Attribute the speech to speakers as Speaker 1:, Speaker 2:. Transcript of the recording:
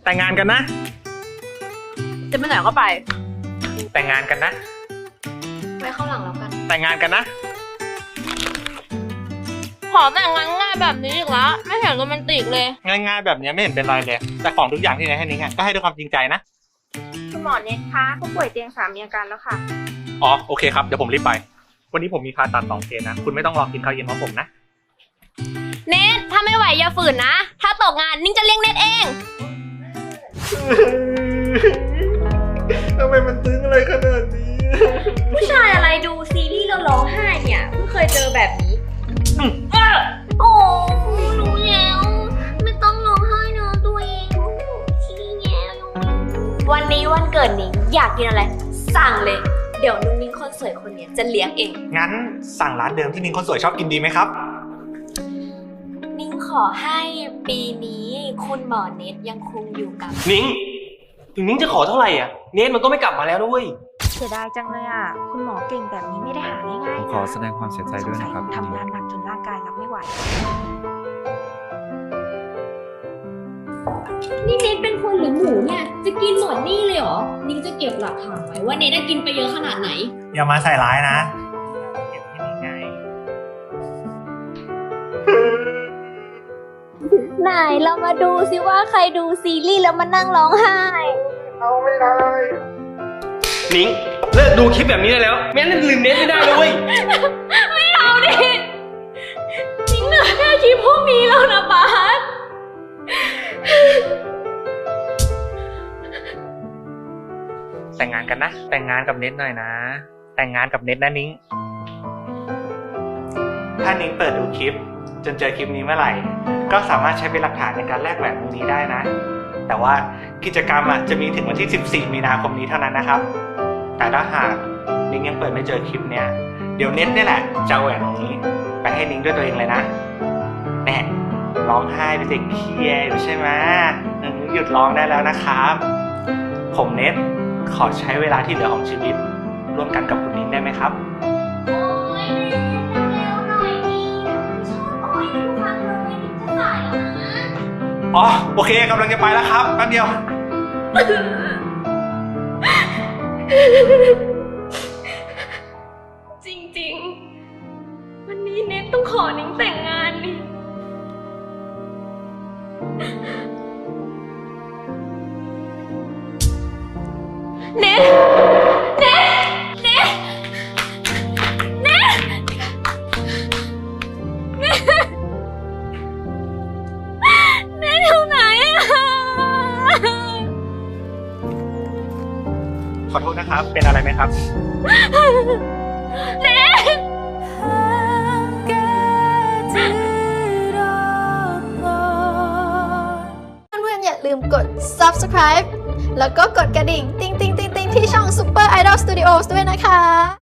Speaker 1: แต่งงานกันนะ
Speaker 2: จะไปไหนก็ไป
Speaker 1: แต่งงานกันนะ
Speaker 2: ไปเข้าหลังแล้วกัน
Speaker 1: แต่งงานกันนะ
Speaker 2: ขอแต่งงานง่ายแบบนี้อีกแล้วไม่เห็นโรแมนติกเลย
Speaker 1: ง่ายๆแบบนี้ไม่เห็นเป็นไรเลยแต่ของทุกอย่างที่ไหนให้นิ้งก็ให้ด้วยความจริงใจนะ
Speaker 3: คุณหมอเน็ตคะผู้ป่วยเตียง3มีอาการแล้วค่ะ
Speaker 1: อ๋อโอเคครับเดี๋ยวผมรีบไปวันนี้ผมมีผ่าตัด2 เคสนะคุณไม่ต้องรอกินข้าวเย็นของผมนะ
Speaker 2: เน็ตถ้าไม่ไหวอย่าฝืนนะถ้าตกงานนิ้งจะเลี้ยงเน็ตเอง
Speaker 1: ทำไมมันตึงอะไรขนาดนี้
Speaker 2: ผู้ชายอะไรดูซีรีส์แล้วร้องไห้เนี่ยเพิ่งเคยเจอแบบนี้โอ้รู้แล้วไม่ต้องร้องไห้นะตัวเองขี้แงวันนี้วันเกิดนิ้งอยากกินอะไรสั่งเลยเดี๋ยวนุ่งนิ้งคนสวยคนนี้จะเลี้ยงเอง
Speaker 1: งั้นสั่งร้านเดิมที่นิ้งคนสวยชอบกินดีไหมครับ
Speaker 2: นิ้งขอให้ปีนี้คุณหมอเน็ตยังคงอยู่กับ
Speaker 4: นิ้งถึงนิ้งจะขอเท่าไหร่อ่ะเน็ตมันก็ไม่กลับมาแล้วด้วย
Speaker 3: เสียดายจังเลยอ่ะคุณหมอเก่งแบบนี้ไม่ได้หาง่ายๆนะ
Speaker 5: ขอแสดงความเสียใจด้วยนะครับ
Speaker 3: ทำงานหนักจนร่างกายรับไม่ไหว
Speaker 2: นี่เน็ตเป็นคนหรือหมูเนี่ยจะกินหมดนี่เลยเหรอนิ้งจะเก็บหลักฐานไว้ว่าเน็ตกินไปเยอะขนาดไหน
Speaker 1: อย่ามาใส่ร้ายนะเก็บที่นี่ไง
Speaker 2: ไหนเรามาดูซิว่าใครดูซีรีส์แล้วมานั่งร้องไห้
Speaker 1: เอาไม่ได้
Speaker 4: นิ้งเลิกดูคลิปแบบนี้ได้แล้วไม่งั้นลืมเน็ตไม่ได้เลย
Speaker 2: ไม่เอาดินิ้งเหลือแค่คลิปพวกนี้แล้วนะบาส
Speaker 1: แต่งงานกันนะแต่งงานกับเน็ตหน่อยนะแต่งงานกับเน็ตนะนิ้งถ้านิ้งเปิดดูคลิปจนเจอคลิปนี้เมื่อไหร่ก็สามารถใช้เป็นหลักฐานในการแลกแหวนวงนี้ได้นะแต่ว่ากิจกรรมจะมีถึงวันที่14 มีนาคมนี้เท่านั้นนะครับแต่ถ้าหากนิ้งยังเปิดไม่เจอคลิปเนี้ยเดี๋ยวเน็ตนี่แหละจะเอาแหวนวงนี้ไปให้นิ้งด้วยตัวเองเลยนะแน่ร้องไห้ไปเด็กเครียดใช่ไหมหยุดร้องได้แล้วนะครับผมเน็ตขอใช้เวลาที่เหลือของชีวิตร่วมกันกับคุณนิ้งได้ไหมครับ
Speaker 2: โอ๊ยเร็วหน่อยดิชอบโอ๊ยทุกครั้งเลยนิ้งจะสายแล้วนะ
Speaker 1: อ๋อโอเคกำลังจะไปแล้วครับแป๊บเดียว
Speaker 2: จริงๆวันนี้เน็ตต้องขอนิ้งแต่งงานนี่เน็ตเน็ตเน็ตเน็ตเน็ตเน็ตอยู่ไหนอะ
Speaker 1: ขอโทษนะครับเป็นอะไรไหมครับ
Speaker 2: เน็ต
Speaker 6: เพื่อนๆอย่าลืมกด subscribe แล้วก็กดกระดิ่ง ติ๊งๆๆๆที่ช่อง Super Idol Studios ด้วยนะคะ